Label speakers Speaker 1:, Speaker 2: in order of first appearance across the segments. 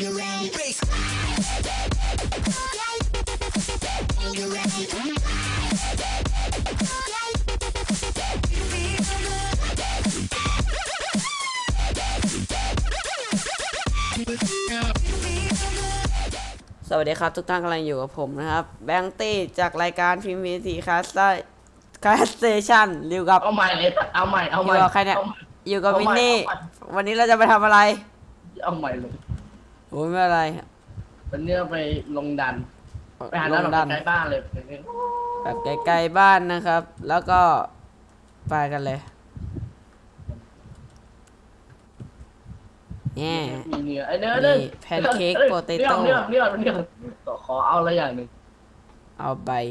Speaker 1: สวัสดีครับทุกท่านกำลังอยู่กับผมนะครับแบงค์ตี้จากรายการพิมพ์ทีคาสเตชันอยู่กับ
Speaker 2: เอาใหม่เลยเอาใหม่
Speaker 1: อยู่กับใครเนี่ยอยู่กับมินนี่วันนี้เราจะไปทำอะไร
Speaker 2: เอาใหม่เลย
Speaker 1: โอ้ยไม่อะไร
Speaker 2: วันนี้ไปลงดันไปหาดันใกล้บ้านเลย
Speaker 1: แบบไกลๆบ้านนะครับ แล้วก็ไปกันเลยเนี่ย
Speaker 2: มีเนื้อไอเนื้อ
Speaker 1: แพนเค้กโปเตโต้
Speaker 2: เนื้อขอเอาอะไรอย่างหนึ่ง
Speaker 1: เอาใบ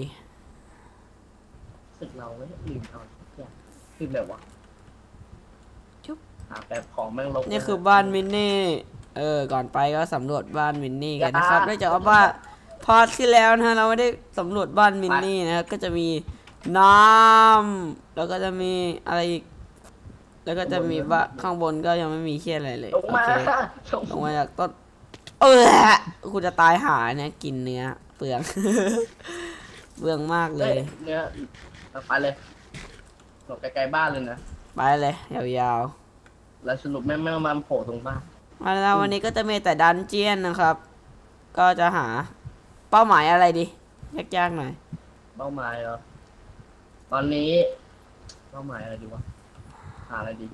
Speaker 2: สึกเราไม่ลืมเอาคือแบบว่า
Speaker 1: ชุบ
Speaker 2: แบบของแม่งลง
Speaker 1: นี่คือบ้านมินนี่ก่อนไปก็สำรวจบ้านมินนี่กันนะครับเนื่องจากว่าพอที่แล้วนะเราไม่ได้สำรวจบ้านมินนี่นะครับก็จะมีน้ำแล้วก็จะมีอะไรอีกแล้วก็จะมีบ้านข้างบนก็ยังไม่มีเคี้ยอะไรเลย
Speaker 2: ลงมา
Speaker 1: จากต้นคุณจะตายหาเนี่ยกินเนื้อเปลืองเปลืองมากเลย
Speaker 2: เนื้อไปเลยหลบไกลๆบ้านเลยนะ
Speaker 1: ไปเลยยาว
Speaker 2: ๆแล้วสรุปแม่มาโผล่ตรงบ้าน
Speaker 1: มาแล้ววันนี้ก็จะมีแต่ดันเจียนนะครับก็จะหาเป้าหมายอะไรดียากๆหน่อย
Speaker 2: เป้าหมายเหรอตอนนี้เป้าหมายอะไรดีวะหาอะไรดี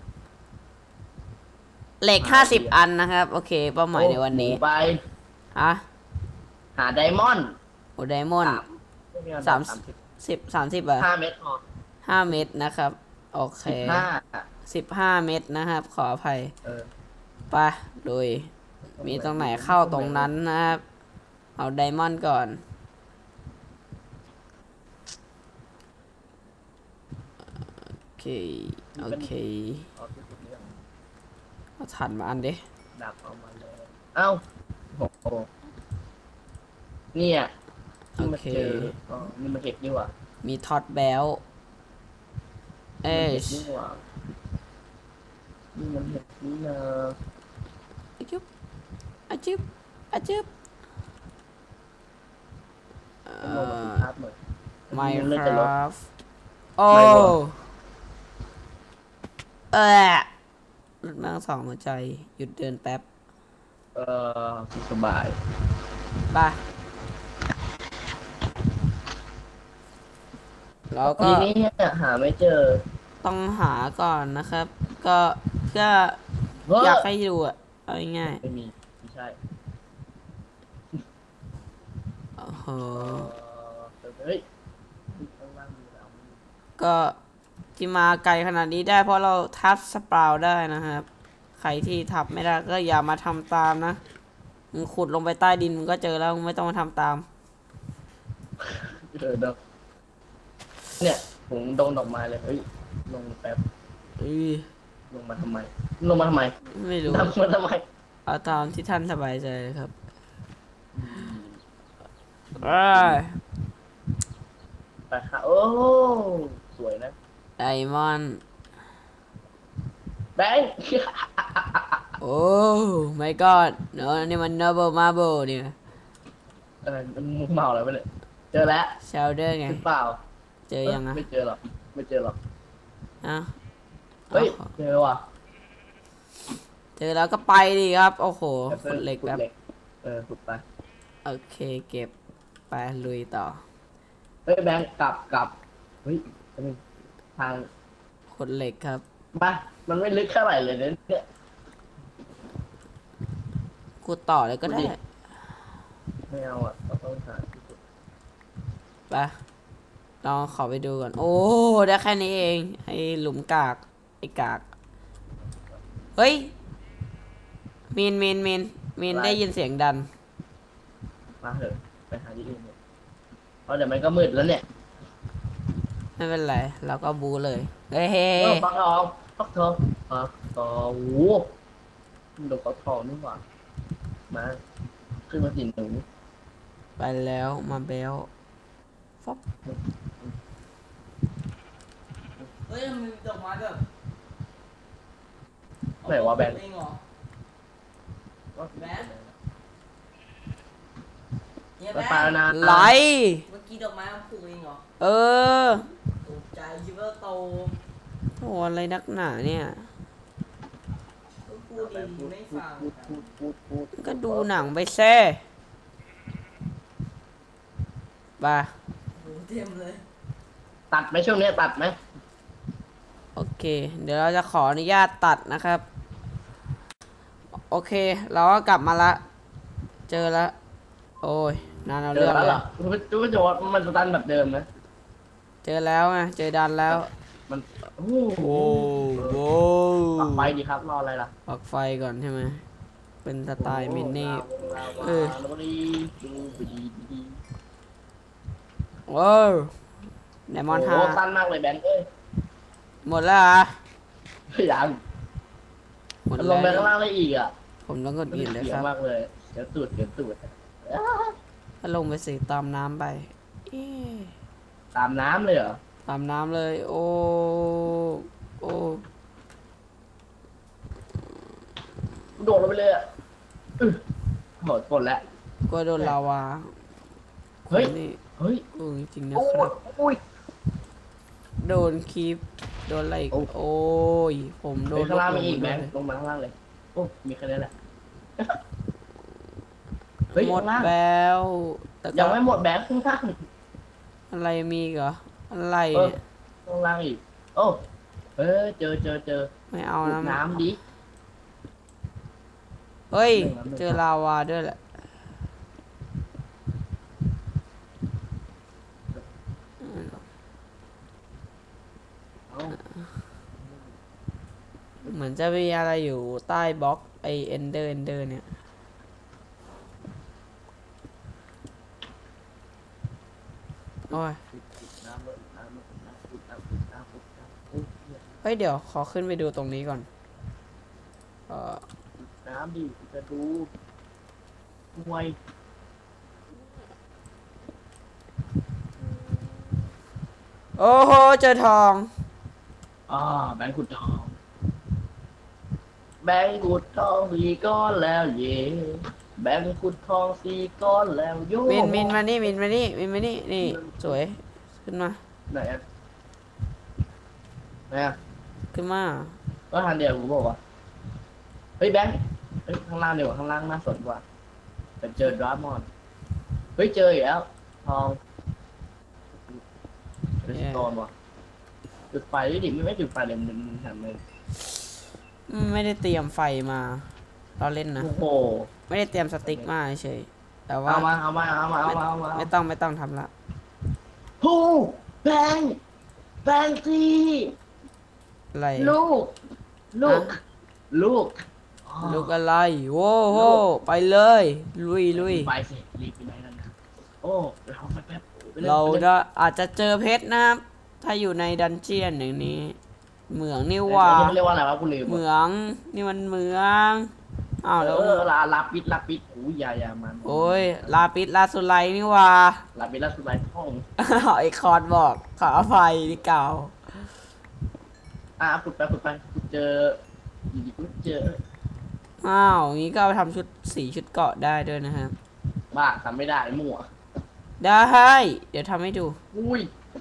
Speaker 1: เหล็ก50 อันนะครับโอเคเป้าหมายในวันนี้
Speaker 2: ไป
Speaker 1: ฮะ
Speaker 2: หาไดมอนด์
Speaker 1: โอ้ไดมอนด์30อ่ะ
Speaker 2: 5 เม็ดพอ
Speaker 1: 5 เม็ดนะครับโอเค15 เม็ดนะครับขออภัยไปโดยมีตรงไหนเข้าตรงนั้นนะครับเอาไดมอนด์ก่อนโอเคเอาถันมาอันดิ
Speaker 2: ดักเอามาเลยเอ้าโอ้โหเนี่ยนี่มาเจอนี่มาเก็บดีกว่า
Speaker 1: มีท็อตแบล
Speaker 2: นี่มันเห็ดนี่นะ
Speaker 1: อาจิ๊บMinecraft โอ้รถนั่ง2 หัวใจหยุดเดินแป๊บ
Speaker 2: สบาย
Speaker 1: ไปแล้วก็
Speaker 2: ทีนี้หาไม่เจอ
Speaker 1: ต้องหาก่อนนะครับก็เพื่ออยากให้ดูอ่ะเอาง่าย
Speaker 2: ไม่มีไม่ใช่
Speaker 1: โอ้โห
Speaker 2: เฮ้ย
Speaker 1: ก็ที่มาไกลขนาดนี้ได้เพราะเราทับสปราวได้นะครับใครที่ทับไม่ได้ก็อย่ามาทำตามนะมึงขุดลงไปใต้ดินมึงก็เจอแล้วมึงไม่ต้องมาทำตาม
Speaker 2: เนี่ยผมโดนดอกไม้เลยเฮ้ยลงแป๊บลงมาทำไม
Speaker 1: ไม่รู้
Speaker 2: ลงมาทำไม
Speaker 1: เอาตามที่ท่านสบายใจครับ
Speaker 2: ไปค่ะโอ้สวยนะ
Speaker 1: ไดมอนด์
Speaker 2: แบงค์
Speaker 1: โอ้ my god เนอะนี่มัน Noble Marble เนี่ย
Speaker 2: มุกเมาอะไรไปเลยเจอแล้ว
Speaker 1: เชลเดอร์ไง
Speaker 2: เปล่า
Speaker 1: เจอยัง
Speaker 2: ไม่เจอหรอกเฮ้ยเจอว่ะ
Speaker 1: เจอแล้วก็ไปดิครับโอ้โหขุดเหล็กแบบ
Speaker 2: ขุดไป
Speaker 1: โอเคเก็บไปลุยต่อ
Speaker 2: เฮ้ยแบงค์กลับเฮ้ยทาง
Speaker 1: ขุดเหล็กครับ
Speaker 2: มามันไม่ลึกเท่าไหร่เลยเนี่ย
Speaker 1: ขุดต่อเลยก็ได้
Speaker 2: ไม่เอาอ่ะต้องหา
Speaker 1: ไปลองขอไปดูก่อนโอ้ได้แค่นี้เองไอ้หลุมกากไอ้กากเฮ้ยมีนได้ยินเสียงดัน
Speaker 2: มาเถอะไปหาที่อื่นเนี่ยเพราะเดี๋ยวมันก็มืดแล้วเนี่ย
Speaker 1: ไม่เป็นไรเราก็บูเลยเฮ้ย
Speaker 2: ฟักทองโอ้โหดอกฟักทองนี่หว่ามาขึ้นมาสิหนู
Speaker 1: ไปแล้วมาเบลฟอบเฮ้ยมันดอกไม้แบบ
Speaker 2: ไหนวะแบงค์
Speaker 3: เนี่ย
Speaker 2: ไป
Speaker 3: แม่
Speaker 2: แล้วนะ
Speaker 1: ไหล
Speaker 3: เมื่อกี้ดอกไม้มันปลูกเองเหรอ
Speaker 1: เออ
Speaker 3: ตกใจคิดว่าโต
Speaker 1: โอ้อะไรนักหนาเนี่ย
Speaker 3: ก็พูดดีไม่ฟัง
Speaker 2: พูด
Speaker 1: ก็ดูหนังไปแซ่บ้า
Speaker 3: โหเต็มเลย
Speaker 2: ตัดไหมช่วงนี้ตัดไหม
Speaker 1: โอเค เดี๋ยวเราจะขออนุญาตตัดนะครับ โอเค เราก็กลับมาละ เจอละ โอ้ย นานเอา
Speaker 2: เจ
Speaker 1: เรื่
Speaker 2: อ
Speaker 1: อง
Speaker 2: แล้ว
Speaker 1: เล
Speaker 2: เหรอย รู้จะว่ามันสตันแบบเดิมนะ
Speaker 1: เจอแล้วไง เจอดันแล้ว
Speaker 2: มันโอ้
Speaker 1: โอ้โห
Speaker 2: ปักไฟดีครับรออะไรล่ะ
Speaker 1: ปักไฟก่อนใช่ไหม เป็นสไตล์มินนี่ เออ
Speaker 2: แล้วก็ดีดูไปดีดี
Speaker 1: ว้าวไดมอนด์
Speaker 2: โอ้
Speaker 1: ห้า
Speaker 2: สั้นมากเลยแบงค์เอ้ย
Speaker 1: หมดแล้วเหรอ
Speaker 2: ยัง
Speaker 1: หมด
Speaker 2: ล
Speaker 1: แล้
Speaker 2: ง
Speaker 1: ว
Speaker 2: ไปข้างล่างได้อีกอ่ะ
Speaker 1: ผมต้องกดอินเลย
Speaker 2: เสีย
Speaker 1: ครับ
Speaker 2: มากเลยเดี๋ยวตูด
Speaker 1: ถ้าลงไปสิตามน้ำไปเอ๊ะ
Speaker 2: ตามน้ำเลยเหรอ
Speaker 1: ตามน้ำเลย โอ้โอ้
Speaker 2: โดดลงไปเลยอ่ะโหดฝนแล้ว
Speaker 1: กลัวโดนลาวา
Speaker 2: เฮ้ย
Speaker 1: นี่
Speaker 2: เฮ้ย
Speaker 1: ดูจริงๆนะ
Speaker 2: โอ้
Speaker 1: ครั
Speaker 2: ย
Speaker 1: บ
Speaker 2: โอ้ย
Speaker 1: โดนคีบโดนอะไรอีก
Speaker 2: โอ้
Speaker 1: โอ้ย ผมโด
Speaker 2: ไป
Speaker 1: น
Speaker 2: ข้างล่างมีอีก
Speaker 1: ล
Speaker 2: แบ
Speaker 1: ง
Speaker 2: งค์
Speaker 1: เลย
Speaker 2: ลงมาข้างล่างเลย โอ้ มีแค่นี้แหละ เฮ้ย
Speaker 1: หมด
Speaker 2: ข้างล่าง
Speaker 1: แล้วแต่ก็
Speaker 2: ยังไม่หมดแบงค์ข้างล่าง
Speaker 1: อะไรมีอีกเหรอ อะไร
Speaker 2: เออ
Speaker 1: เนี่ย
Speaker 2: ข้างล่างอีก โอ้เออเจอ
Speaker 1: ไม่เอา
Speaker 2: ขุด
Speaker 1: นะ
Speaker 2: น้ำดิ
Speaker 1: เฮ้ย
Speaker 2: เรื่องนั้น
Speaker 1: เจอลาวาด้วยแหละ
Speaker 2: เอ้า
Speaker 1: เหมือนจะมีอะไรอยู่ใต้บล็อกไอเอนเดอร์เนี่ย โอ้ย
Speaker 2: น้ำเลยน้ำเลยน้ำขุดน้ำขุดโอ้ย
Speaker 1: เฮ้ย เดี๋ยวขอขึ้นไปดูตรงนี้ก่อน
Speaker 2: น้ำดิจะดูมวย
Speaker 1: โอ้โห เจอทอง
Speaker 2: แบงค์ขุดทอง แบงค์ขุดทองสี่ก้อนแล้วเย่แบงค์ขุดทองสี่ก้อนแล้วโย่
Speaker 1: มินมานี่มินมานี่มินมานี่นี่สวยขึ้นมา
Speaker 2: ไหนอะไหนอะ
Speaker 1: ขึ้นมา
Speaker 2: ก็ทานเดียวกูบอกว่าเฮ้ยแบงค์เฮ้ยข้างล่างเดียวาข้างล่างน่าสนกว่าแต่เจอดราฟมอนเฮ้ยเจออีกแล้วทองเรสโตนว่ะจุดไฟดิไม่จุดไฟเลยมันทำเลย
Speaker 1: ไม่ได้เตรียมไฟมาเราเล่นนะ
Speaker 2: โอ้โห
Speaker 1: ไม่ได้เตรียมสติ๊กมาเฉยแต่ว่า
Speaker 2: เอามา
Speaker 1: ไม่ต้องทำละ
Speaker 2: โอ้แบงค์แบงค์สิ
Speaker 1: อะไร
Speaker 2: ลูกลูก
Speaker 1: ฮะ
Speaker 2: ลูก
Speaker 1: ลูกอะไรโว้โหไปเลย ลุย
Speaker 2: ไปสิรีบไปไหนนั่นนะโอ้เราไปแป๊บไปลย
Speaker 1: เรา
Speaker 2: ไปลย
Speaker 1: จะอาจจะเจอเพชรนะครับ ถ้าอยู่ในดันเจียนอย่างนี้ เหมืองนี่หว่า
Speaker 2: เรียกว่าอะไรวะกูลืม
Speaker 1: เหมืองนี่มันเหมืองอ้าวแล้ว
Speaker 2: ลาปิดโอ้ยยามัน
Speaker 1: โอ้ยลาปิดลาสุไลนี่หว่า
Speaker 2: ลาปิดลาสุดไลท่อง
Speaker 1: ไอคอนบอกขออภัยที่เก่า
Speaker 2: ขุดไปขุดเจออยู่ดีกูเจอ
Speaker 1: อ้าวงี้ก็เอาไปทำชุดชุดเกาะได้ด้วยนะครับ
Speaker 2: บ้าทำไม่ได้มั่ว
Speaker 1: ได้เดี๋ยวทำให้ดู
Speaker 2: อุ้ย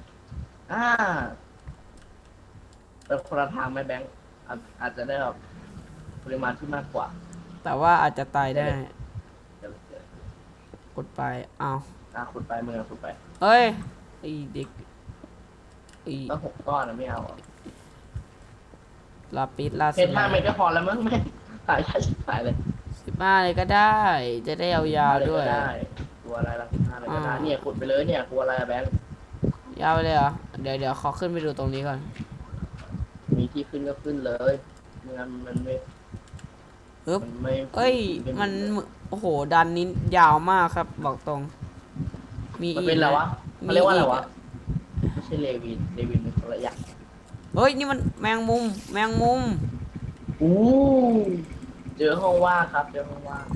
Speaker 2: เป็นคนละทางไหมแบงค์อาจจะได้แบบปริมาณที่มากกว่า
Speaker 1: แต่ว่าอาจจะตายได้
Speaker 2: เดี๋ยว
Speaker 1: กดไปอ้าว
Speaker 2: ขุดไปเมืองขุดไป
Speaker 1: เฮ้ยไอเด็กไอ
Speaker 2: ต้อง6 ก้อนนะไม่เอาอะ
Speaker 1: ลาปิดลา
Speaker 2: เพ
Speaker 1: สุ
Speaker 2: ชร
Speaker 1: ไล
Speaker 2: 5 เม็ดก็พอแล้วมั้งแม่ขายได้ชิบหายเลย
Speaker 1: 15เลยก็ได้ จะได้ยาวๆด้วย
Speaker 2: ได้ตัวอะไรละ15เลยก็ได้เนี่ยขุดไปเลยเนี่ยกลัวอะไรอะแบงค์
Speaker 1: ยาวไปเลยเหรอเดี๋ยวขอขึ้นไปดูตรงนี้ก่อน
Speaker 2: มีที่ขึ้นก็ขึ้นเลยมันไม่
Speaker 1: ปึ๊บ
Speaker 2: มันไม่
Speaker 1: เอ้ยมันโอ้โหดันนี้ยาวมากครับ บอกตรง มี
Speaker 2: มัน
Speaker 1: อีก
Speaker 2: เป็นอะไรวะ
Speaker 1: มี
Speaker 2: เขาเรียกว่าอะไร
Speaker 1: ก
Speaker 2: วะไม่ใช่เลวินเป็นคนละอย่าง
Speaker 1: เฮ้ยนี่มันแมงมุม
Speaker 2: อู้เจอห้องว่างครับเจอห้องว่าง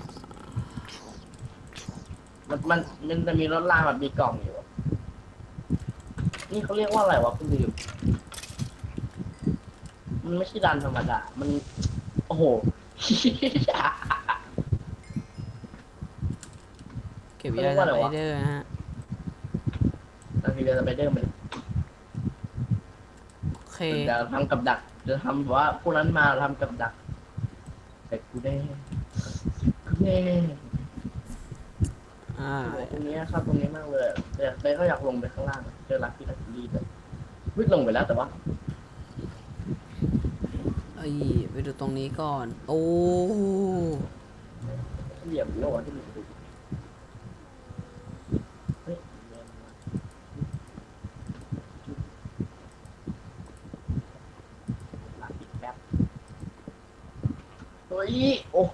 Speaker 2: มันจะมีรถรางแบบมีกล่องอยู่นี่เขาเรียกว่าอะไรวะคุณลืมมันไม่ใช่ดันธรรมดามันโอ้โห
Speaker 1: เก็บยาสไปเดอร์นะฮะ
Speaker 2: บางทีเราจะไปเดินมัน
Speaker 1: โอเค
Speaker 2: จะทำกับดักจะทำว่าพวกนั้นมาทำกับดักแต่กูได้แน่ ตรงนี้ครับตรงนี้มากเลยแต่เต้ก็อยากลงไปข้างล่างเจอลักที่ลักกี้แต่วิ่งลงไปแล้วแต่ว่า
Speaker 1: เอ้ยไปดูตรงนี้ก่อน โอ้
Speaker 2: เหยียบโลกที่มันดูเฮ้ยลักอีกแป๊บเฮ้ยโอ้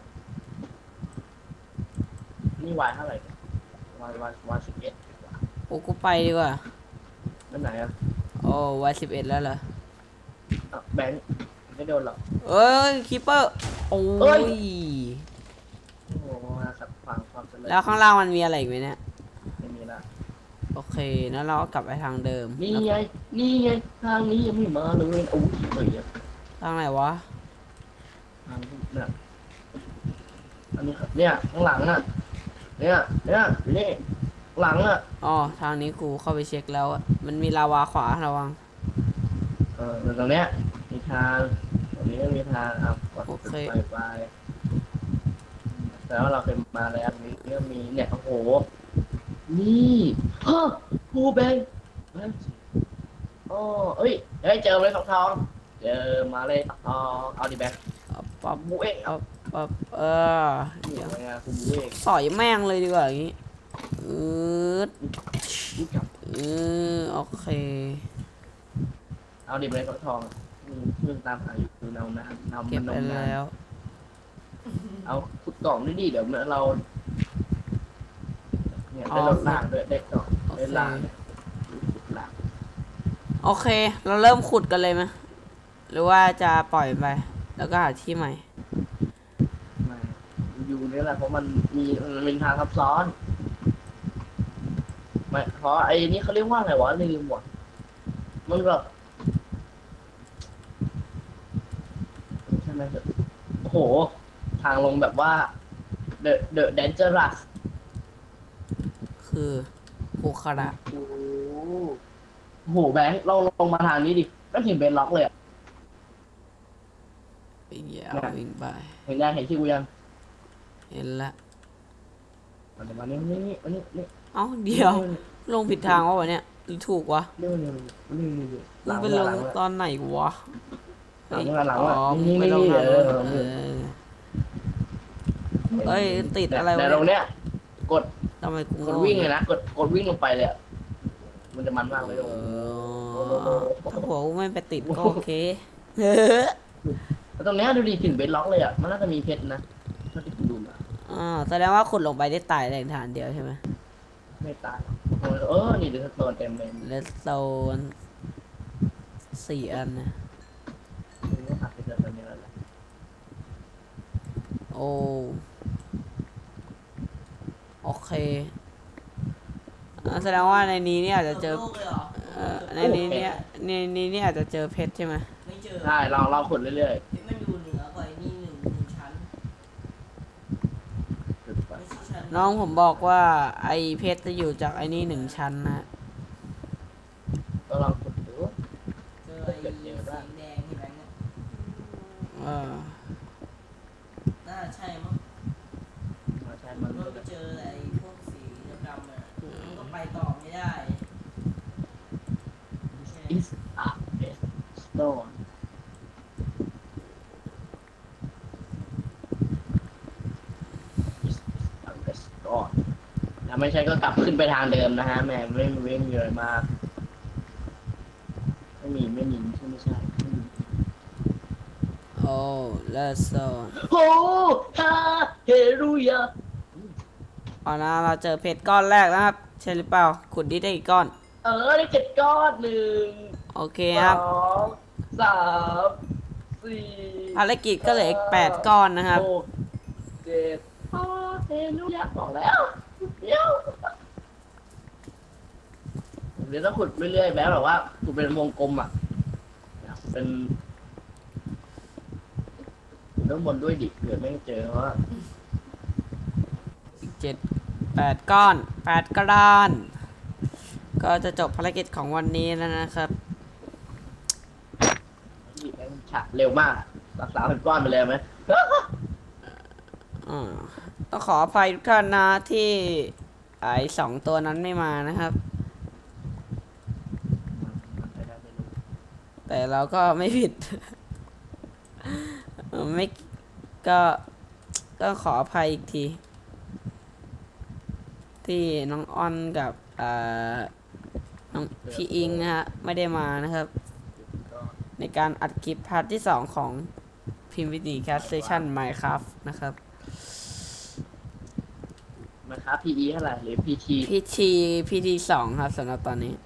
Speaker 2: นี่วายเท่าไหร่วาย11ดีกว่า
Speaker 1: โอ้กูไปดีกว่า
Speaker 2: นั่นไหนอ่ะ
Speaker 1: โอ้วัย11แล้วเหรอ
Speaker 2: แบงค์ไม่โดนหรอก
Speaker 1: เอ้ยคีเปอร์โอ้
Speaker 2: เอ้
Speaker 1: ย
Speaker 2: ย โอ้โหมาขัดขวางความเจริญ
Speaker 1: แล้วข้างล่างมันมีอะไรอีกไหมเนี่ย
Speaker 2: ไม่มีละ
Speaker 1: โอเคแล้วเราก็กลับไปทางเดิม
Speaker 2: นี่ไงนี่ไงทางนี้ยังไม่มาเลยโอ้ยเฮ้ย
Speaker 1: ทางไหนวะ
Speaker 2: ทางเนี่ยอันนี้ครับเนี่ยข้างหลังน่ะเนี่ยนี่หลังอ่ะ
Speaker 1: อ๋อทางนี้กูเข้าไปเช็คแล้วอะมันมีลาวาขวาระวัง
Speaker 2: ตรงเนี้ยมีทางตรงนี้ก็มีทางอ่ะกด
Speaker 1: โอเค
Speaker 2: ไปแต่ว่าเราเคยมาแล้วอันนี้ก็มีเนี่ยโอ้โหนี่ฮะภูแบงอ๋อเอ้ยเจอเลยทองเจอมาเลยทองเอาดิแบง
Speaker 1: ปั๊บ
Speaker 2: บูเอง
Speaker 1: ปั๊บ
Speaker 2: นี่
Speaker 1: เดี๋ยว
Speaker 2: ไงคุณบูเอง
Speaker 1: สอยแม่งเลยดีกว่าอย่างงี้อืด
Speaker 2: นี่กับ
Speaker 1: โอเค
Speaker 2: เอาดิเลยทองเพื่อนตามหาอยู่คือนำ
Speaker 1: เก็บ
Speaker 2: มัน
Speaker 1: ไป
Speaker 2: นมนา
Speaker 1: แล้ว
Speaker 2: เอาขุดกล่องด้วยดิเดี๋ยวเราเนี่ยได้รถล่างด้วยได้กล่องได้ล่างขุดล่าง
Speaker 1: โอเค เราเริ่มขุดกันเลยไหมหรือว่าจะปล่อยไปแล้วก็หาที่ใหม่
Speaker 2: มาอยู่นี่แหละเพราะมันเป็นทางซับซ้อนไม่เพราะไอ้นี่เขาเรียกว่าไงวะลืมหมดมันแบบใช่ไหมโอ้โหทางลงแบบว่า the dangerous
Speaker 1: คือภูคาระ
Speaker 2: โอ้โหแบงค์เราลงมาทางนี้ดิก็เห็นเบนล็อกเลยอะ
Speaker 1: วิ่งยาววิ่งไป
Speaker 2: เห็นยังเห็นชื่อกูยัง
Speaker 1: เห็นละ
Speaker 2: มานี่นี่
Speaker 1: เอ้าเดี๋ยวลงผิดทางวะเนี่ยหรือถูกวะ
Speaker 2: เร็วห
Speaker 1: มึ
Speaker 2: ลั
Speaker 1: ง
Speaker 2: ง
Speaker 1: ไปลงตอนไหนวะ
Speaker 2: หลัง
Speaker 1: อ๋อมึงไปลงทางนู้นเอ้ยติดอะไรวะ
Speaker 2: แต่ตรงเนี้ยกด
Speaker 1: ทำไมกู
Speaker 2: กดวิ่งเลยนะกดวิ่งลงไปเลยมันจะมันมากเลย
Speaker 1: ถ้าหัวกูไม่ไปติดก็โอเค
Speaker 2: ตรงเนี้ยดูดิถึงเบนล็อกเลยอ่ะมันน่าจะมีเพชรนะเท่าที่ผมดูมา
Speaker 1: แสดงว่าขุดลงไปได้ตายแรงฐานเดียวใช่ไหม
Speaker 2: ไม่ตายนี่ดูสโตนเต็มเลย
Speaker 1: เลสโซน4 อันนะ
Speaker 2: นี่หักไปเจอตรงนี้แล้ว
Speaker 1: โอ้โอเคแสดงว่าในนี้เนี่ยอาจจะเจอ
Speaker 3: โลกเลยเหรอ
Speaker 1: ในนี้เนี่ยในนี้เนี่ยอาจจะเจอเพชรใช่ไหม
Speaker 3: ไม่เจอ
Speaker 2: ใช่เราขุดเรื่อย
Speaker 3: มันอยู่เหนือกว่าไอ้นี่หนึ่งชั้น
Speaker 2: ๆ
Speaker 3: ไม่ใช่ชั้น
Speaker 1: น้องผมบอกว่าไอเพชรจะอยู่จากไอนี่1 ชั้นนะ
Speaker 2: ก็ลองขุดดู
Speaker 3: เจอไอ้สีแดงที่แบงค์เนี่ย
Speaker 1: เออ
Speaker 3: น่าใช่มั้ง
Speaker 2: ใช่
Speaker 3: มั
Speaker 2: มัน น
Speaker 3: ไปเจอไอ้พวกสีดำๆอ่ะมันก็ไปต่อไม่ได้ไม่ใช่
Speaker 2: อิสอะเบสโตนถ้าไม่ใช่ก็กลับขึ้นไปทางเดิมนะฮะแม่ไม่มีอะไรมากไม่มีไม่ใช่
Speaker 1: โอ้เลสโซน
Speaker 2: โอ้ฮาเฮรูยา
Speaker 1: เอานะเราเจอเพชรก้อนแรกนะครับ ใช่หรือเปล่า ขุดดิได้อีกก้อน
Speaker 2: ได้7 ก้อน1
Speaker 1: โอเคครับ
Speaker 2: 2 3 4
Speaker 1: ภารกิจก็เหลืออีก8 ก้อนนะครับ
Speaker 2: 6 7ฮาเฮรูยาบอกแล้วเดี๋ยวต้องขุดเรื่อยๆแบบว่าขุดเป็นวงกลมอ่ะเป็นด้านบนด้วยดิเผื่อไม่เจอเพราะว่า
Speaker 1: อีก7 8 ก้อน 8 กระดานก็จะจบภารกิจของวันนี้แล้วนะครับ
Speaker 2: นี่แบงค์ฉะเร็วมากรักษาเป็นก้อนไปเลยไหม
Speaker 1: ต้องขออภัยทุกท่านนะที่ไอ้2 ตัวนั้นไม่มานะครับ แต่เราก็ไม่ผิด ไม่ก็ขออภัยอีกที ที่น้องอ้อนกับน้องพี่อิงนะฮะไม่ได้มานะครับ ในการอัดคลิปพาร์ทที่ 2 ของพิมพ์วิดีแคสเซชัน Minecraft นะครับ
Speaker 2: มาครับ PE เท่าไหร่หรือ PT
Speaker 1: พีที 2 ครับสำหรับตอนนี้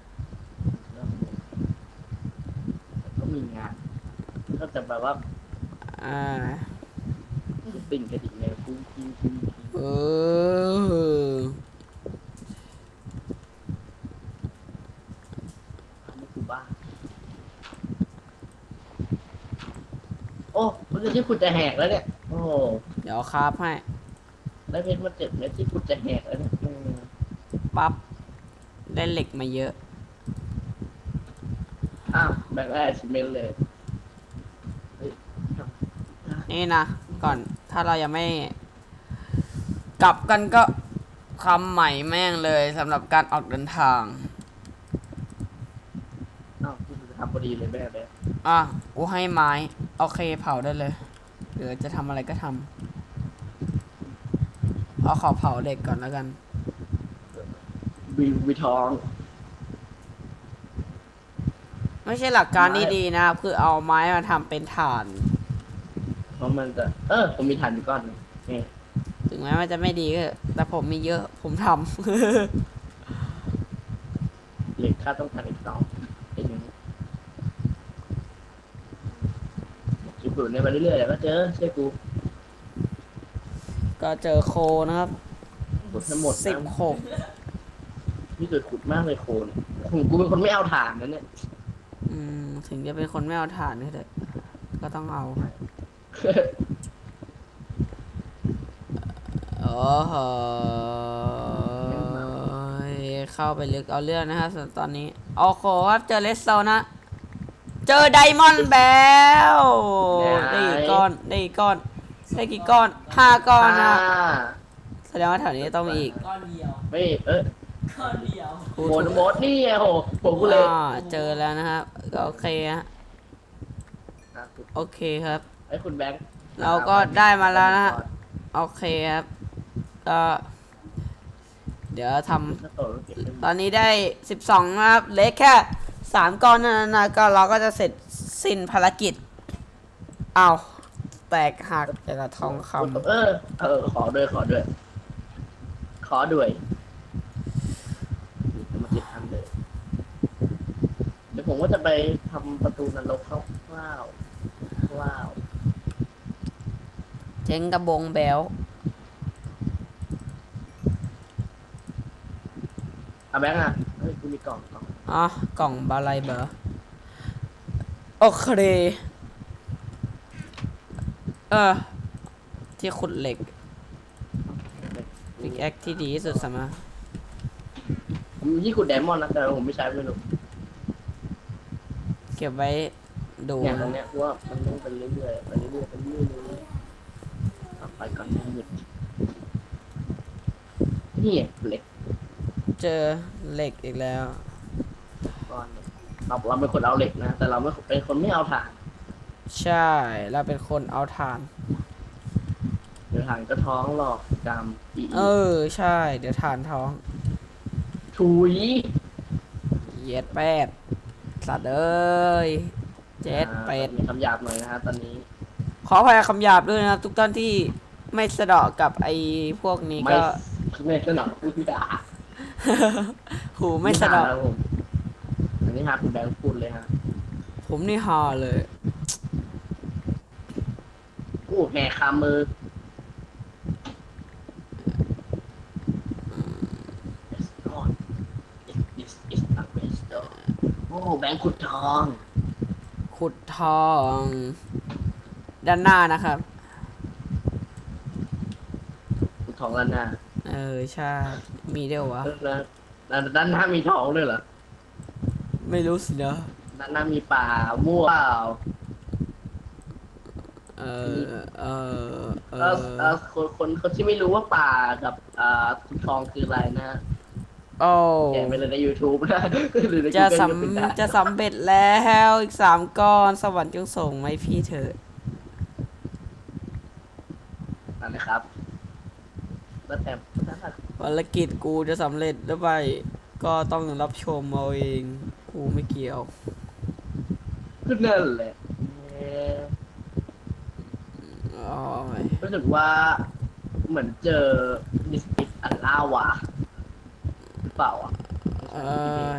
Speaker 2: ก็มีงานก็จะแบบว่า
Speaker 1: อ่า
Speaker 2: ติ่งกระดิ่งเนี่ยคุ้ง
Speaker 1: เออ
Speaker 2: ไม่คือบ้าโอ้มันจะที่คุณจะแหกแล้วเนี่ยโอ้
Speaker 1: เดี๋ยวครับให้
Speaker 2: ได้เพชรมา7 เม็ดที่คุณจะแหกแล้วเนี่ย
Speaker 1: ปั๊บ ได้เหล็กมาเยอะ
Speaker 2: อ้าวแบงค์แอชเมนเลยเฮ้ย
Speaker 1: นี่นะ ก่อนถ้าเรายังไม่กลับกันก็คำใหม่แม่งเลยสำหรับการออกเดินทาง
Speaker 2: อ้าวคุณจะทำพอดีเลยแม่แม่
Speaker 1: กูให้ไม้ โอเคเผาได้เลยหรือจะทำอะไรก็ทำขอเผาเหล็กก่อนแล้วกัน
Speaker 2: วีทอง
Speaker 1: ไม่ใช่หลักการที่ดีนะครับ คือเอาไม้มาทำเป็นถ่าน
Speaker 2: เพราะมันจะผมมีถ่านอยู่ก้อนหนึ่งนี่
Speaker 1: ถึงแม้มันจะไม่ดีก็แต่ผมมีเยอะผมทำ
Speaker 2: เหล็กค่าต้องการอีก2เป็นอย่างนี้ขุดๆเนี่ยไปเรื่อยๆเดี๋ยวก็เจอเชื่อกู
Speaker 1: ก็เจอโคนะครับ
Speaker 2: ขุดทั้งหมดนะ
Speaker 1: 16
Speaker 2: นี่เกิดขุดมากเลยโคนกูเป็นคนไม่เอาถ่านนะเนี่ย
Speaker 1: ถึงจะเป็นคนไม่เอาถ่านก็เถอะก็ต้องเอา โอ้โหเข้าไปลึกเอาเรื่องนะฮะส่วนตอนนี้โอ้โหครับเจอเลสโซนะ เจอไดมอนด์แบลได้กี่ก้อนได้กี่ก้อนได้กี่ก้อน5 ก้อนนะแสดงว่าแถวนี้ต้องมีอีก
Speaker 3: ก้อนเดียว
Speaker 2: ไม่
Speaker 3: ก้อนเดียว
Speaker 2: โหดนี่ไงโหผมกูเลย
Speaker 1: เจอแล้วนะครับก็โอเคฮะโอเคครับ
Speaker 2: ไอ้คุณแบงค์
Speaker 1: เราก็ได้มาแล้วนะฮะโอเคครับก็เดี๋ยวทำตอนนี้ได้12นะครับเหล็กแค่3 ก้อนนั้นนะก็เราก็จะเสร็จสิ้นภารกิจอ้าวแตกหักแต่ละทองคำ
Speaker 2: ขอด้วยมาติดทันเลยเดี๋ยวผมก็จะไปทำประตูนรกว้าว
Speaker 1: เจ๊งกระบงแบล
Speaker 2: แบงค์เฮ้ยกูมีกล่อง
Speaker 1: กล่องบาลัยเบอร์โอเคที่ขุดเหล็กพิกแอคที่ดีที่สุดสำหรับ
Speaker 2: ที่ขุดไดมอนด์นะแต่ผมไม่ใช้ไม่รู้
Speaker 1: เก็บไว้ดู
Speaker 2: อย่างตรงเนี้ยว่ามันต้องไปเรื่อยๆไปก่อนหยุดนี่เหล็ก
Speaker 1: เจอเหล็กอีกแล้ว
Speaker 2: ก้อนเราเป็นคนเอาเหล็กนะแต่เราไม่เป็นคนไม่เอาถ่าน
Speaker 1: ใช่เราเป็นคนเอาถ่าน
Speaker 2: เดี๋ยวถ่านก็ท้องหลอกจำ
Speaker 1: ใช่เดี๋ยวถ่านท้อง
Speaker 2: ถุย
Speaker 1: เย็ดแปดสัตว์เอ้ยเจ็ดเป็ด
Speaker 2: มีคำหยาบหน่อยนะฮะตอนนี้
Speaker 1: ขออภัยคำหยาบด้วยนะครับทุกท่านที่ไม่สะเดาะกับไอ้พวกนี้ก็
Speaker 2: ไม่สนับพูดด่า
Speaker 1: หูไม่สะเดาะ
Speaker 2: อันนี้ฮะคุณแบงค์พูดเลยฮะ
Speaker 1: ผมนี่ฮาเลย
Speaker 2: กูแหกคามือโอ้แบงค์ขุดทอง
Speaker 1: ขุดทองด้านหน้านะครับ
Speaker 2: ขุดทองแล้วนะ
Speaker 1: ใช่มีเดียววะ
Speaker 2: ด้านหน้ามีทองด้วยเหรอ
Speaker 1: ไม่รู้สินะ
Speaker 2: ด้านหน้ามีป่ามั่วเปล่า
Speaker 1: เออเออเอ
Speaker 2: คนที่ไม่รู้ว่าป่ากับขุนทองคืออะไรนะ
Speaker 1: โอ้
Speaker 2: แกะไปเลยใน YouTube นะหรือใน
Speaker 1: จะ
Speaker 2: Google ก็เป็นได้
Speaker 1: จะสำเร็จแล้วอีก3 ก้อนสวรรค์จงส่งไหมาให้พี่เถิด
Speaker 2: นั่นนะครับแล้วแต่
Speaker 1: ภารกิจกูจะสำเร็จหรือไม่ก็ต้องรับชมเอาเองกูไม่เกี่ยว
Speaker 2: ก็นั่นแหละ
Speaker 1: อ๋อ
Speaker 2: รู้สึกว่าเหมือนเจอดิสติกอันล่าวะหรือเปล่าอ่ะ
Speaker 1: เออ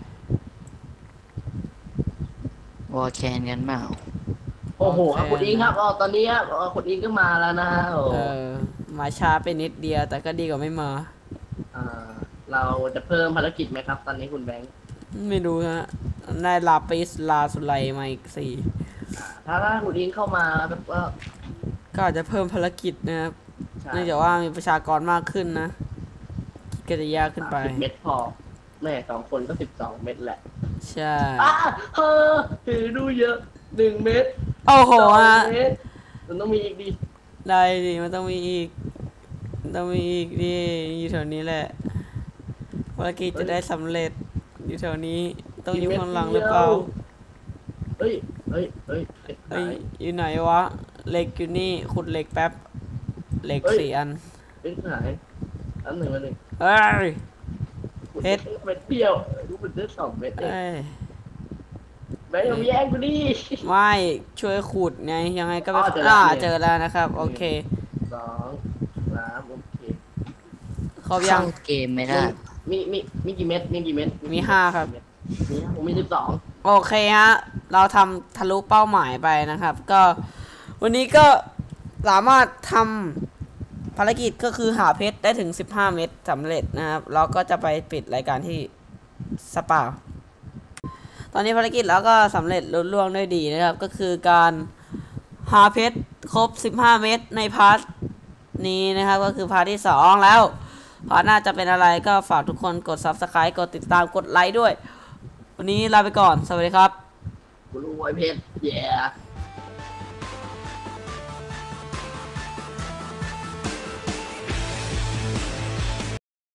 Speaker 4: วอลแคนกันเปล่า
Speaker 2: โอ้โหครับคุณอิงครับตอนนี้ครับคุณอิงก็มาแล้วนะโอ้
Speaker 1: มาช้าไปนิดเดียวแต่ก็ดีกว่าไม่มา
Speaker 2: อ่าเราจะเพิ่มภารกิจไหมครับ ตอนนี้คุณแบงค์
Speaker 1: ไม่รู้ฮะได้ลาปิสลาสุไลมาอีก4
Speaker 2: ถ้าคุณอิงเข้ามาแล้วก็
Speaker 1: ก็อาจจะเพิ่มภารกิจนะครับ
Speaker 2: ใช่
Speaker 1: เนื่องจากว่ามีประชากรมากขึ้นนะก็จะยากขึ้นไป
Speaker 2: 10 เม็ดพอแม่2 คนก็12 เม็ดแหละ
Speaker 1: ใช่
Speaker 2: เฮ้อถือดูเยอะ1 เม็ด
Speaker 1: โอ้โห
Speaker 2: 2
Speaker 1: ฮะ
Speaker 2: เม็ดมันต้องมีอีกดิ
Speaker 1: ได้ดิมันต้องมีอีกต้องมีอีกดิอยู่แถวนี้แหละภารกิจจะได้สำเร็จอยู่แถวนี้ต้องอยู่ข้างหลังหรือเปล่า
Speaker 2: เฮ้ย
Speaker 1: เอ้ยอยู่ไหนวะเหล็กอยู่นี่ขุดเหล็กแป๊บเหล็ก4 อัน
Speaker 2: เป็นหายอันหนึ่งอันหนึ่ง
Speaker 1: เอ้ย เพชร
Speaker 2: เม็ดเดียวรู้มันได้2 เม็ดเอง
Speaker 1: เอ้ย
Speaker 2: แบงค์อย่ามาแย่งกูดิ
Speaker 1: ไม่ช่วยขุดไงยังไงก็ไม่
Speaker 2: เจอแล้ว
Speaker 1: เจอแล้วนะครับโอเค
Speaker 2: 2 3โอเค
Speaker 1: ครบยัง
Speaker 4: เข้าเกมไม่ได้
Speaker 2: มีกี่เม็ดมีกี่เม็ด
Speaker 1: มี5ครับ
Speaker 2: ผมมี12
Speaker 1: โอเคฮะ เราทำทะลุเป้าหมายไปนะครับ ก็วันนี้ก็สามารถทำภารกิจก็คือหาเพชรได้ถึง15 เม็ดสำเร็จนะครับเราก็จะไปปิดรายการที่สปาตอนนี้ภารกิจเราก็สำเร็จลุล่วงด้วยดีนะครับ ก็คือการหาเพชรครบ15 เม็ดในพาร์ทนี้นะครับ ก็คือพาร์ทที่2แล้วพาร์ทหน้าจะเป็นอะไรก็ฝากทุกคนกด Subscribe กดติดตามกดไลค์ด้วยวันนี้ลาไปก่อน สวัสดีครับ
Speaker 2: กูรู้ไอ้เพชร yeah